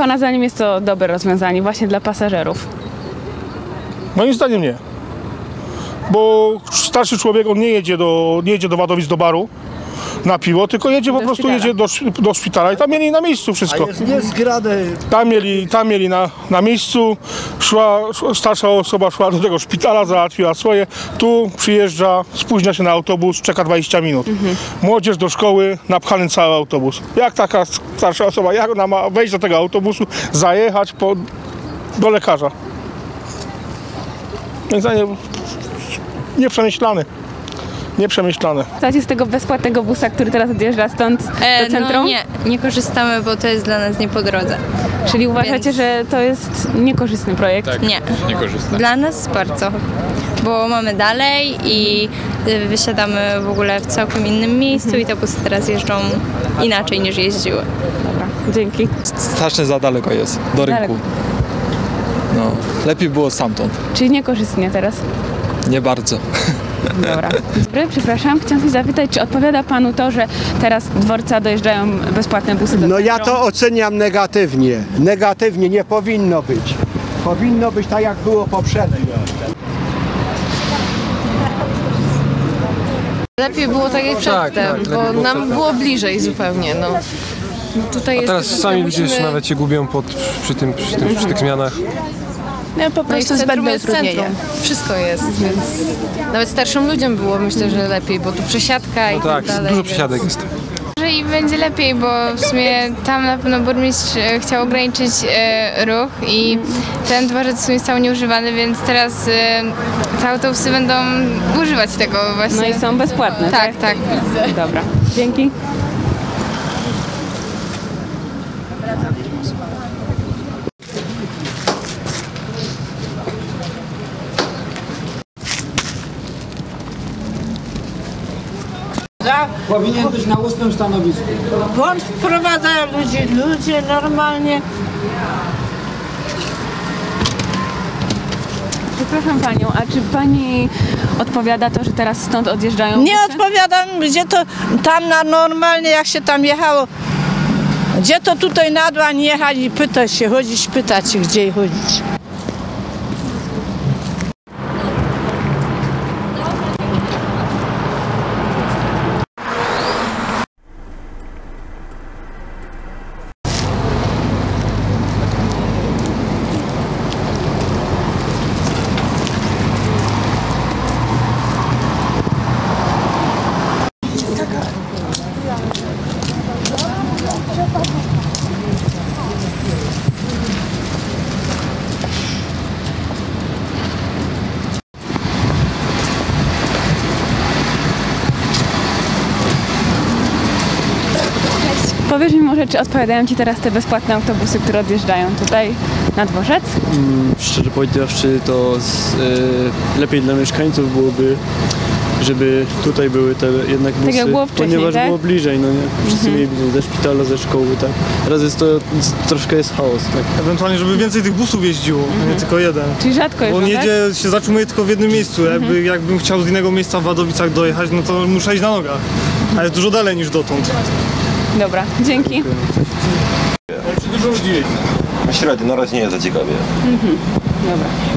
Pana zdaniem jest to dobre rozwiązanie właśnie dla pasażerów? Moim zdaniem nie. Bo starszy człowiek, on nie jedzie do Wadowic, do baru na piwo, tylko jedzie jedzie do szpitala i tam mieli na miejscu wszystko. Tam mieli na miejscu, starsza osoba szła do tego szpitala, załatwiła swoje, tu przyjeżdża, spóźnia się na autobus, czeka 20 minut. Młodzież do szkoły, napchany cały autobus. Jak taka starsza osoba, jak ona ma wejść do tego autobusu, zajechać do lekarza? Moim zdaniem nieprzemyślane. Słuchajcie z tego bezpłatnego busa, który teraz odjeżdża stąd do centrum? No nie korzystamy, bo to jest dla nas nie po drodze. Czyli uważacie, że to jest niekorzystny projekt? Tak, Nie. niekorzystny. Dla nas bardzo, bo mamy dalej i wysiadamy w ogóle w całkiem innym miejscu i te busy teraz jeżdżą inaczej niż jeździły. Dobra, dzięki. Strasznie za daleko jest, do rynku. No, lepiej było stamtąd. Czyli niekorzystnie teraz? Nie bardzo. Dobra. Dobry, przepraszam. Chciałam zapytać, czy odpowiada Panu to, że teraz dworca dojeżdżają bezpłatne busy do centrum? No ja to oceniam negatywnie. Negatywnie nie powinno być. Powinno być tak, jak było poprzednio. Lepiej było tak jak przedtem, bo nam było bliżej zupełnie. No. Tutaj A teraz sami ludzie już nawet się gubią przy tych zmianach. No, po prostu zbędne utrudnienie. Wszystko jest, więc nawet starszym ludziom było, myślę, że lepiej, bo tu przesiadka i tak dalej. Dużo przesiadek jest. Może i będzie lepiej, bo w sumie tam na pewno burmistrz chciał ograniczyć ruch i ten dworzec w sumie stał nieużywany, więc teraz te autobusy będą używać tego właśnie. No i są bezpłatne, tak? Tak. Dobra, dzięki. Powinien być na ustnym stanowisku. Błąd wprowadzają ludzie normalnie. Przepraszam Panią, a czy Pani odpowiada to, że teraz stąd odjeżdżają Nie busy? odpowiadam, gdzie to tam na normalnie, jak się tam jechało. Gdzie to tutaj na dłań jechać i pytać się, pytać się, gdzie chodzić. Powiesz mi może, czy odpowiadają Ci teraz te bezpłatne autobusy, które odjeżdżają tutaj na dworzec? Szczerze powiedziawszy, to lepiej dla mieszkańców byłoby, żeby tutaj były te jednak busy, tak jak było wcześniej, ponieważ tak? było bliżej, no nie? Wszyscy mieli ze szpitala, ze szkoły, tak. Teraz jest to, troszkę jest chaos, tak. Ewentualnie, żeby więcej tych busów jeździło, nie tylko jeden. Czyli rzadko jeżdżą, Bo on tak? się zatrzymuje tylko w jednym miejscu. Jakbym chciał z innego miejsca w Wadowicach dojechać, no to muszę iść na nogach. A jest dużo dalej niż dotąd. Dobra, dzięki. Dużo ludzi jeździ. Średnio, na razie nie jest za ciekawie. Dobra.